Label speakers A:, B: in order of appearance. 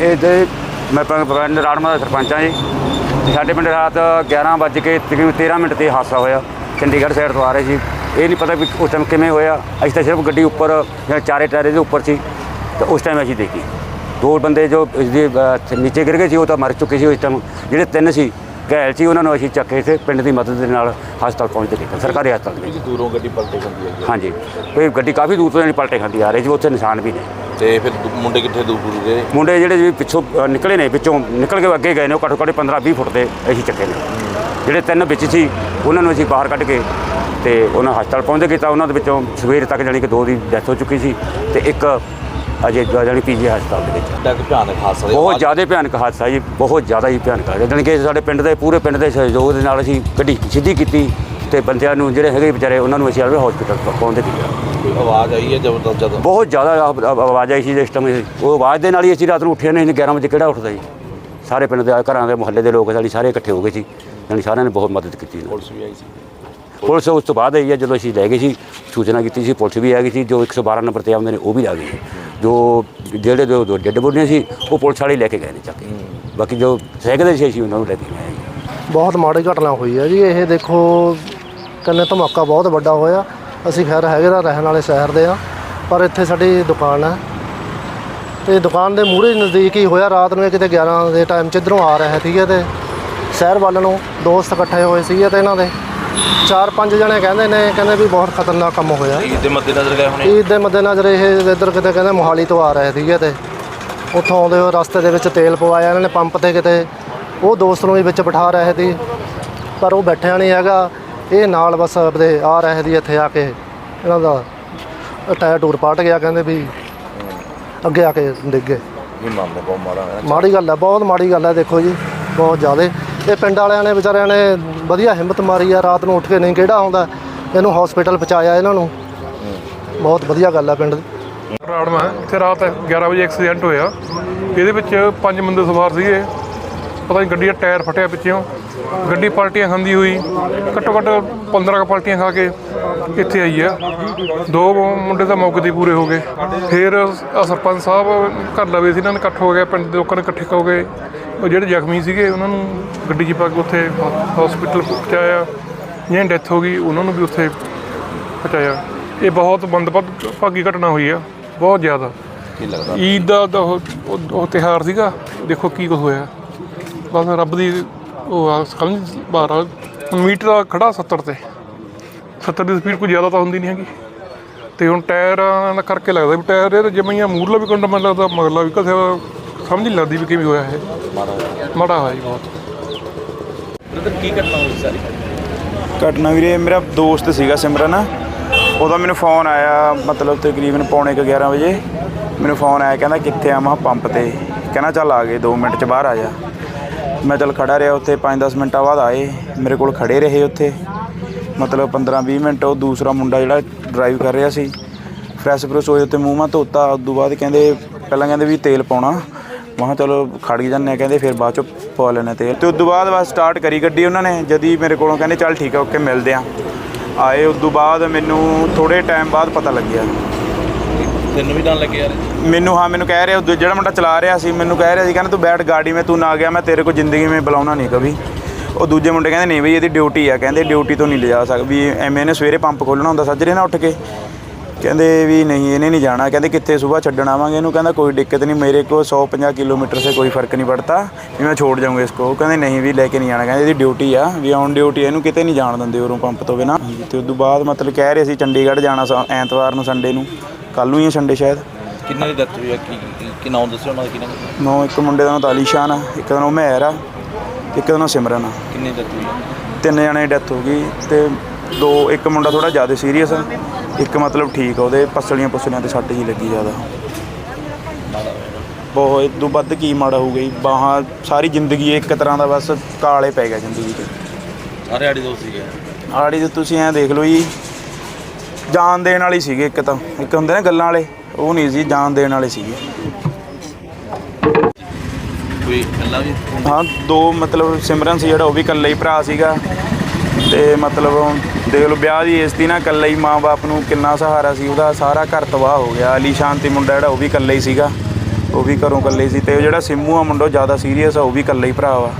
A: ਇਹ मैं पिंड राड़मा का सरपंच हाँ जी। साढ़े पिंड रात 11 बज के तकरीबन 13 मिनट से हादसा होया। चंडीगढ़ साइड तो आ रहे थे, ये नहीं पता भी उस टाइम किमें होया। असीं तो सिर्फ गड्डी उपर चारे टायरे के उपर सी, तो उस टाइम असीं देखी 2 बंदे जो नीचे गिर गए सी, वो तो मर चुके सी उस टाइम। ਜਿਹੜੇ 3 ਸੀ घायल सी, उन्होंने असीं चक्के से पिंड की मदद के नाल हस्पताल पहुँचते थे, सरकारी हस्पताल।
B: दूरों गड्डी पलटे खाती है?
A: हाँ जी, कोई गड्डी काफ़ी दूर तो पलटे खाती आ रही थी, उत्थे निशान भी ने।
B: तो फिर मुंडे कितने दूर गए?
A: मुंडे ਜਿਹੜੇ ਪਿੱਛੋਂ ਨਿਕਲੇ ਨੇ, ਵਿੱਚੋਂ ਨਿਕਲ ਕੇ ਅੱਗੇ ਗਏ ਨੇ, ਉਹ ਘੱਟੋ ਘੱਟ 15-20 ਫੁੱਟ ਦੇ ਅਸੀਂ ਚੱਕੇ ਨੇ। ਜਿਹੜੇ 3 ਵਿੱਚ ਸੀ ਉਹਨਾਂ ਨੂੰ ਅਸੀਂ ਬਾਹਰ ਕੱਢ ਕੇ ਤੇ ਉਹਨਾਂ ਹਸਪਤਾਲ ਪਹੁੰਚਦੇ ਕੀਤਾ। ਉਹਨਾਂ ਦੇ ਵਿੱਚੋਂ ਸਵੇਰ ਤੱਕ ਜਾਣੀ ਕਿ 2 ਦੀ ਡੈਥ ਹੋ ਚੁੱਕੀ ਸੀ ਤੇ ਇੱਕ ਅਜੇ ਜਾਣੀ ਪੀਜੀ ਹਸਪਤਾਲ ਦੇ ਵਿੱਚ।
B: ਭਿਆਨਕ ਹਾਦਸਾ,
A: ਬਹੁਤ ਜ਼ਿਆਦਾ ਭਿਆਨਕ ਹਾਦਸਾ ਜੀ, ਬਹੁਤ ਜ਼ਿਆਦਾ ਹੀ ਭਿਆਨਕ ਹੈ। ਜਾਣੀ ਕਿ ਸਾਡੇ ਪਿੰਡ ਦੇ ਪੂਰੇ ਪਿੰਡ ਦੇ ਸਹਿਯੋਗ ਦੇ ਨਾਲ ਅਸੀਂ ਗੱਡੀ ਸਿੱਧੀ ਕੀਤੀ ਤੇ ਬੰਦਿਆਂ ਨੂੰ ਜਿਹੜੇ ਹੈਗੇ ਵਿਚਾਰੇ ਉਹਨਾਂ ਨੂੰ ਅਸੀਂ ਹਸਪਤਾਲ ਪਹੁੰਚਦੇ ਕੀਤਾ।
B: ਆਵਾਜ਼ ਆਈ ਹੈ ਜ਼ਬਰਦਸਤ? ਜਦੋਂ
A: ਬਹੁਤ ਜ਼ਿਆਦਾ ਆਵਾਜ਼ ਆਈ ਸੀ ਜਿਸ ਟਾਈਮ, ਉਹ ਆਵਾਜ਼ ਦੇ ਨਾਲ ਹੀ ਅਸੀਂ ਰਾਤ ਨੂੰ ਉੱਠੇ ਨਹੀਂ। 11 ਵਜੇ ਕਿਹੜਾ ਉੱਠਦਾ ਜੀ? ਸਾਰੇ ਪਿੰਡ ਦੇ ਘਰਾਂ ਦੇ ਮੁਹੱਲੇ ਦੇ ਲੋਕ ਸਾਡੀ ਸਾਰੇ ਇਕੱਠੇ ਹੋ ਗਏ ਸੀ, ਜਾਣੀ ਸਾਰਿਆਂ ਨੇ ਬਹੁਤ ਮਦਦ ਕੀਤੀ।
B: ਪੁਲਿਸ ਵੀ ਆਈ ਸੀ?
A: ਪੁਲਿਸ ਉਸ ਤੋਂ ਬਾਅਦ ਆਈ ਹੈ, ਜਦੋਂ ਅਸੀਂ ਲੈ ਗਏ ਸੀ, ਸੂਚਨਾ ਕੀਤੀ ਸੀ, ਪੁਲਿਸ ਵੀ ਆ ਗਈ ਸੀ। ਜੋ 112 ਨੰਬਰ 'ਤੇ ਆਉਂਦੇ ਨੇ ਉਹ ਵੀ ਆ ਗਏ। ਜੋ ਜਿਹੜੇ ਦੋ ਡੈੱਡ ਬੋਡੀਆਂ ਸੀ ਉਹ ਪੁਲਿਸ ਵਾਲੇ ਲੈ ਕੇ ਗਏ ਨੇ ਚੱਕ ਕੇ। ਬਾਕੀ ਜੋ ਸਹਿਕਦੇ ਸੀ ਅਸੀਂ ਉਹਨਾਂ ਨੂੰ ਲੈ ਕੇ ਗਏ ਜੀ।
C: ਬਹੁਤ ਮਾੜੀ ਘਟਨਾ ਹੋਈ ਹੈ ਜੀ ਇਹ। ਦੇਖੋ ਕੰਨੇ ਧਮਾਕਾ ਬਹੁਤ ਵੱਡਾ ਹੋਇਆ। ਅਸੀਂ ਖੈਰ ਹੈਗੇ ਤਾਂ ਰਹਿਣ ਵਾਲੇ ਸ਼ਹਿਰ ਦੇ ਆ, ਪਰ ਇੱਥੇ ਸਾਡੀ ਦੁਕਾਨ ਹੈ ਤੇ ਦੁਕਾਨ ਦੇ ਮੂਹਰੇ ਨਜ਼ਦੀਕ ਹੀ ਹੋਇਆ। ਰਾਤ ਨੂੰ ਇਹ ਕਿਤੇ 11 ਦੇ ਟਾਈਮ 'ਚ ਇੱਧਰੋਂ ਆ ਰਿਹਾ ਸੀਗਾ ਤੇ ਸ਼ਹਿਰ ਵੱਲ ਨੂੰ ਦੋਸਤ ਇਕੱਠੇ ਹੋਏ ਸੀਗੇ ਤੇ ਇਹਨਾਂ ਦੇ 4-5 ਜਣੇ ਕਹਿੰਦੇ ਵੀ ਬਹੁਤ ਖਤਰਨਾਕ ਕੰਮ ਹੋਇਆ।
B: ਈਦ ਦੇ ਮੱਦੇਨਜ਼ਰ ਗਏ ਹੋਣੇ?
C: ਈਦ ਦੇ ਮੱਦੇਨਜ਼ਰ ਇਹ ਇੱਧਰ ਕਿਤੇ ਕਹਿੰਦੇ ਮੋਹਾਲੀ ਤੋਂ ਆ ਰਹੇ ਸੀਗੇ ਤੇ ਉੱਥੋਂ ਆਉਂਦੇ ਹੋਏ ਰਸਤੇ ਦੇ ਵਿੱਚ ਤੇਲ ਪਵਾਇਆ ਇਹਨਾਂ ਨੇ ਪੰਪ ਤੇ ਕਿਤੇ। ਉਹ ਦੋਸਤ ਨੂੰ ਵੀ ਵਿੱਚ ਬਿਠਾ ਰਹੇ ਸੀ ਪਰ ਉਹ ਬੈਠਿਆ ਨਹੀਂ ਹੈਗਾ। ਇਹ ਨਾਲ ਬਸ ਆਪਦੇ ਆ ਰਹੇ ਸੀ, ਇੱਥੇ ਆ ਕੇ ਇਹਨਾਂ ਦਾ ਟਾਇਰ ਟੂਰ ਪਾਟ ਗਿਆ। ਕਹਿੰਦੇ ਵੀ ਅੱਗੇ ਆ ਕੇ ਡਿੱਗ ਗਏ।
B: ਬਹੁਤ
C: ਮਾੜੀ ਗੱਲ ਹੈ, ਬਹੁਤ ਮਾੜੀ ਗੱਲ ਹੈ। ਦੇਖੋ ਜੀ ਬਹੁਤ ਜ਼ਿਆਦਾ। ਇਹ ਪਿੰਡ ਵਾਲਿਆਂ ਨੇ ਵਿਚਾਰਿਆਂ ਨੇ ਵਧੀਆ ਹਿੰਮਤ ਮਾਰੀ ਆ, ਰਾਤ ਨੂੰ ਉੱਠ ਕੇ ਨਹੀਂ ਕਿਹੜਾ ਆਉਂਦਾ, ਇਹਨੂੰ ਹਸਪੀਟਲ ਪਹੁੰਚਾਇਆ ਇਹਨਾਂ ਨੂੰ। ਬਹੁਤ ਵਧੀਆ ਗੱਲ ਹੈ ਪਿੰਡ ਦੀ।
D: ਰਾੜਮਾ ਇੱਥੇ ਰਾਤ 11 ਵਜੇ ਐਕਸੀਡੈਂਟ ਹੋਇਆ। ਇਹਦੇ ਵਿੱਚ 5 ਬੰਦੇ ਸਵਾਰ ਸੀਗੇ। ਪਤਾ ਨਹੀਂ ਗੱਡੀ ਦਾ ਟਾਇਰ ਫਟਿਆ ਪਿੱਛੋਂ, ਗੱਡੀ ਪਲਟੀਆਂ ਖਾਂਦੀ ਹੋਈ ਘੱਟੋ ਘੱਟ 15 ਪਲਟੀਆਂ ਖਾ ਕੇ ਇੱਥੇ ਆਈ ਆ। 2 ਮੁੰਡੇ ਤਾਂ ਮੌਕੇ 'ਤੇ ਪੂਰੇ ਹੋ ਗਏ। ਫਿਰ ਸਰਪੰਚ ਸਾਹਿਬ ਘਰ ਲਵੇ ਸੀ, ਇਹਨਾਂ ਨੇ ਇਕੱਠ ਹੋ ਗਿਆ, ਪਿੰਡ ਦੇ ਲੋਕਾਂ ਨੇ ਇਕੱਠੇ ਹੋ ਗਏ। ਉਹ ਜਿਹੜੇ ਜ਼ਖਮੀ ਸੀਗੇ ਉਹਨਾਂ ਨੂੰ ਗੱਡੀ 'ਚ ਪਾ ਕੇ ਉੱਥੇ ਹਸਪੀਟਲ ਪਹੁੰਚਾਇਆ। ਜਿਹਨਾਂ ਡੈਥ ਹੋ ਗਈ ਉਹਨਾਂ ਨੂੰ ਵੀ ਉੱਥੇ ਪਹੁੰਚਾਇਆ। ਇਹ ਬਹੁਤ ਮੰਦਭਾਗੀ ਘਟਨਾ ਹੋਈ ਆ, ਬਹੁਤ ਜ਼ਿਆਦਾ।
B: ਕੀ ਲੱਗਦਾ
D: ਈਦ ਦਾ ਉਹ ਤਿਉਹਾਰ ਸੀਗਾ, ਦੇਖੋ ਕੀ ਕੁਛ ਹੋਇਆ। ਬਸ ਰੱਬ ਦੀ ਉਹ ਆ ਸਮਝ ਬਾਹਰ ਆ। ਮੀਟਰ ਦਾ ਖੜਾ 70 ਤੇ 70 ਦੀ ਸਪੀਡ ਕੋਈ ਜ਼ਿਆਦਾ ਤਾਂ ਹੁੰਦੀ ਨਹੀਂ ਹੈਗੀ। ਅਤੇ ਹੁਣ ਟਾਇਰਾਂ ਦਾ ਕਰਕੇ ਲੱਗਦਾ ਵੀ ਟਾਇਰ ਇਹ ਜਿਵੇਂ ਮੂਰਲਾ ਵੀ ਕੰਡਾ, ਮੈਨੂੰ ਲੱਗਦਾ ਮਗਰਲਾ ਵੀ ਕਿਸੇ ਸਮਝ ਨਹੀਂ ਲੱਗਦੀ ਵੀ ਕਿਵੇਂ ਹੋਇਆ ਇਹ। ਮਾੜਾ ਹੋਇਆ ਜੀ ਬਹੁਤ।
B: ਕੀ ਘਟਨਾ ਹੋਈ ਸਾਰੀ?
E: ਘਟਨਾ ਵੀਰੇ ਮੇਰਾ ਦੋਸਤ ਸੀਗਾ ਸਿਮਰਨ, ਉਹਦਾ ਮੈਨੂੰ ਫੋਨ ਆਇਆ ਮਤਲਬ ਤਕਰੀਬਨ ਪੌਣੇ 11 ਵਜੇ ਮੈਨੂੰ ਫੋਨ ਆਇਆ। ਕਹਿੰਦਾ ਕਿੱਥੇ ਆ? ਮੈਂ ਪੰਪ ਤੇ। ਕਹਿੰਦਾ ਚੱਲ ਆ ਗਏ 2 ਮਿੰਟ 'ਚ ਬਾਹਰ ਆ ਜਾ। ਮੈਂ ਚੱਲ ਖੜਾ ਰਿਹਾ ਉੱਥੇ। 5-10 ਮਿੰਟਾਂ ਬਾਅਦ ਆਏ ਮੇਰੇ ਕੋਲ, ਖੜ੍ਹੇ ਰਹੇ ਉੱਥੇ ਮਤਲਬ 15-20 ਮਿੰਟ। ਉਹ ਦੂਸਰਾ ਮੁੰਡਾ ਜਿਹੜਾ ਡਰਾਈਵ ਕਰ ਰਿਹਾ ਸੀ ਫਰੈਸ਼ ਫਰੈਸ਼ ਹੋਏ ਉੱਤੇ, ਮੂੰਹ ਮਾ ਧੋਤਾ। ਉਦੋਂ ਬਾਅਦ ਕਹਿੰਦੇ ਪਹਿਲਾਂ ਕਹਿੰਦੇ ਵੀ ਤੇਲ ਪਾਉਣਾ। ਮੈਂ ਕਿਹਾ ਚਲੋ ਖੜ ਜਾਂਦੇ ਹਾਂ। ਕਹਿੰਦੇ ਫਿਰ ਬਾਅਦ 'ਚੋਂ ਪਵਾ ਲੈਣਾ ਤੇਲ। ਅਤੇ ਉਦੋਂ ਬਾਅਦ ਬਸ ਸਟਾਰਟ ਕਰੀ ਗੱਡੀ ਉਹਨਾਂ ਨੇ। ਜਦ ਹੀ ਮੇਰੇ ਕੋਲੋਂ ਕਹਿੰਦੇ ਚੱਲ ਠੀਕ ਆ ਓਕੇ ਮਿਲਦੇ ਹਾਂ। ਆਏ ਉਦੋਂ ਬਾਅਦ ਮੈਨੂੰ ਥੋੜ੍ਹੇ ਟਾਈਮ ਬਾਅਦ ਪਤਾ ਲੱਗਿਆ।
B: ਤੈਨੂੰ ਵੀ ਡਰ ਲੱਗਿਆ ਯਾਰ?
E: ਮੈਨੂੰ ਹਾਂ, ਮੈਨੂੰ ਕਹਿ ਰਿਹਾ ਜਿਹੜਾ ਮੁੰਡਾ ਚਲਾ ਰਿਹਾ ਸੀ, ਮੈਨੂੰ ਕਹਿ ਰਿਹਾ ਸੀ ਕਹਿੰਦਾ ਤੂੰ ਬੈਠ ਗਾੜੀ ਮੈਂ, ਤੂੰ ਨਾ ਗਿਆ ਮੈਂ ਤੇਰੇ ਕੋਲ ਜ਼ਿੰਦਗੀ ਮੇਂ ਬੁਲਾਉਣਾ ਨਹੀਂ ਕभी। ਉਹ ਦੂਜੇ ਮੁੰਡੇ ਕਹਿੰਦੇ ਨਹੀਂ ਬਈ ਇਹਦੀ ਡਿਊਟੀ ਆ, ਕਹਿੰਦੇ ਡਿਊਟੀ ਤੋਂ ਨਹੀਂ ਲਿਜਾ ਸਕਦਾ ਵੀ ਐਵੇਂ ਇਹਨੇ ਸਵੇਰੇ ਪੰਪ ਖੋਲ੍ਹਣਾ ਹੁੰਦਾ ਸੱਜਰੇ ਨਾਲ ਉੱਠ ਕੇ। ਕਹਿੰਦੇ ਵੀ ਨਹੀਂ ਇਹਨੇ ਨਹੀਂ ਜਾਣਾ। ਕਹਿੰਦੇ ਕਿੱਥੇ ਸੁਬਾਹ ਛੱਡਣ ਆਵਾਂਗੇ ਇਹਨੂੰ। ਕਹਿੰਦਾ ਕੋਈ ਦਿੱਕਤ ਨਹੀਂ, ਮੇਰੇ ਕੋਲ 150 ਕਿਲੋमीटर से कोई फ़र्क नहीं पड़ता भी मैं छोड़ जाऊँगा इसको। ਕਹਿੰਦੇ ਨਹੀਂ ਵੀ ਲੈ ਕੇ ਨਹੀਂ ਜਾਣਾ, ਕਹਿੰਦੇ ਇਹਦੀ ਡਿਊਟੀ ਆ ਵੀ ਔਨ ਡਿਊਟੀ, ਇਹਨੂੰ ਕਿਤੇ ਨਹੀਂ ਜਾਣ ਦਿੰਦੇ ਉਰੋਂ ਪੰਪ ਤੋਂ ਬਿਨਾਂ। ਅਤੇ ਉਦੋਂ ਬਾਅਦ ਮਤਲਬ ਕਹਿ ਰਹੇ ਸੀ ਚੰਡੀਗੜ੍ਹ ਜਾਣਾ ਐਤਵਾਰ ਨੂੰ, ਸੰਡੇ ਨੂੰ, ਕੱਲ੍ਹ ਨੂੰ ਹੀ ਸੰਡੇ ਸ਼ਾਇਦ।
B: ਕਿੰਨਾਂ ਦੀ ਡੈਥ ਹੋਈ ਆ? ਕੀ ਨਾਮ ਦੱਸਿਓ ਉਹਨਾਂ ਦਾ? ਕਿੰਨਾ
E: ਨੌ ਇੱਕ ਮੁੰਡੇ ਦਾ ਨਾਮ ਤਾਲੀਸ਼ਾਨ ਆ, ਇੱਕ ਦਾ ਨਾਮ ਮਹਿਰ ਆ, ਇੱਕ ਦਾ ਨਾਮ ਸਿਮਰਨ ਆ।
B: ਕਿੰਨੀ ਡੈਥ ਹੋਈ?
E: 3 ਜਣੇ ਦੀ ਡੈਥ ਹੋ ਗਈ ਅਤੇ ਇੱਕ ਮੁੰਡਾ ਥੋੜ੍ਹਾ ਜ਼ਿਆਦਾ ਸੀਰੀਅਸ ਆ, ਇੱਕ ਮਤਲਬ ਠੀਕ ਆ, ਉਹਦੇ ਪਸਲੀਆਂ ਤੇ ਸੱਟ ਹੀ ਲੱਗੀ ਜ਼ਿਆਦਾ। ਬਹੁਤ ਇਦੋਂ ਵੱਧ ਕੀ ਮਾੜਾ ਹੋਊਗਾ ਜੀ। ਬਾਹਾਂ ਸਾਰੀ ਜ਼ਿੰਦਗੀ ਇੱਕ ਤਰ੍ਹਾਂ ਦਾ ਬਸ ਕਾਲੇ ਪੈ ਗਿਆ ਜ਼ਿੰਦਗੀ 'ਚ।
B: ਸਾਰੇ ਆੜੀ ਦੋਸਤ ਸੀਗੇ? ਆੜੀ
E: ਦੇ ਤੁਸੀਂ ਐਂ ਦੇਖ ਲਓ ਜੀ, ਜਾਨ ਦੇਣ ਵਾਲੀ ਸੀਗੇ। ਇੱਕ ਤਾਂ ਇੱਕ ਹੁੰਦੇ ਨਾ ਗੱਲਾਂ ਵਾਲੇ, ਉਹ ਨਹੀਂ ਸੀ, ਜਾਨ ਦੇਣ ਵਾਲੇ ਸੀਗੇ।
B: ਕੋਈ ਇਕੱਲਾ ਵੀ?
E: ਹਾਂ 2 ਮਤਲਬ ਸਿਮਰਨ ਸੀ ਜਿਹੜਾ, ਉਹ ਵੀ ਇਕੱਲਾ ਹੀ ਭਰਾ ਸੀਗਾ। ਅਤੇ ਮਤਲਬ ਦੇਖ ਲਓ ਵਿਆਹ ਦੀ ਏਜ 'ਤੇ ਨਾ ਇਕੱਲਾ ਹੀ ਮਾਂ ਬਾਪ ਨੂੰ ਕਿੰਨਾ ਸਹਾਰਾ ਸੀ। ਉਹਦਾ ਸਾਰਾ ਘਰ ਤਬਾਹ ਹੋ ਗਿਆ। ਅਲੀਸ਼ਾਨ ਤੇ ਮੁੰਡਾ ਜਿਹੜਾ ਉਹ ਵੀ ਇਕੱਲਾ ਹੀ ਸੀਗਾ। ਉਹ ਵੀ ਘਰੋਂ ਇਕੱਲੇ ਸੀ, ਤੇ ਉਹ ਜਿਹੜਾ ਸਿੰਮੂ ਆ ਮੁੰਡਾ ਉਹ ਜ਼ਿਆਦਾ ਸੀਰੀਅਸ ਆ, ਉਹ ਵੀ ਇਕੱਲਾ ਹੀ ਭਰਾ ਵਾ।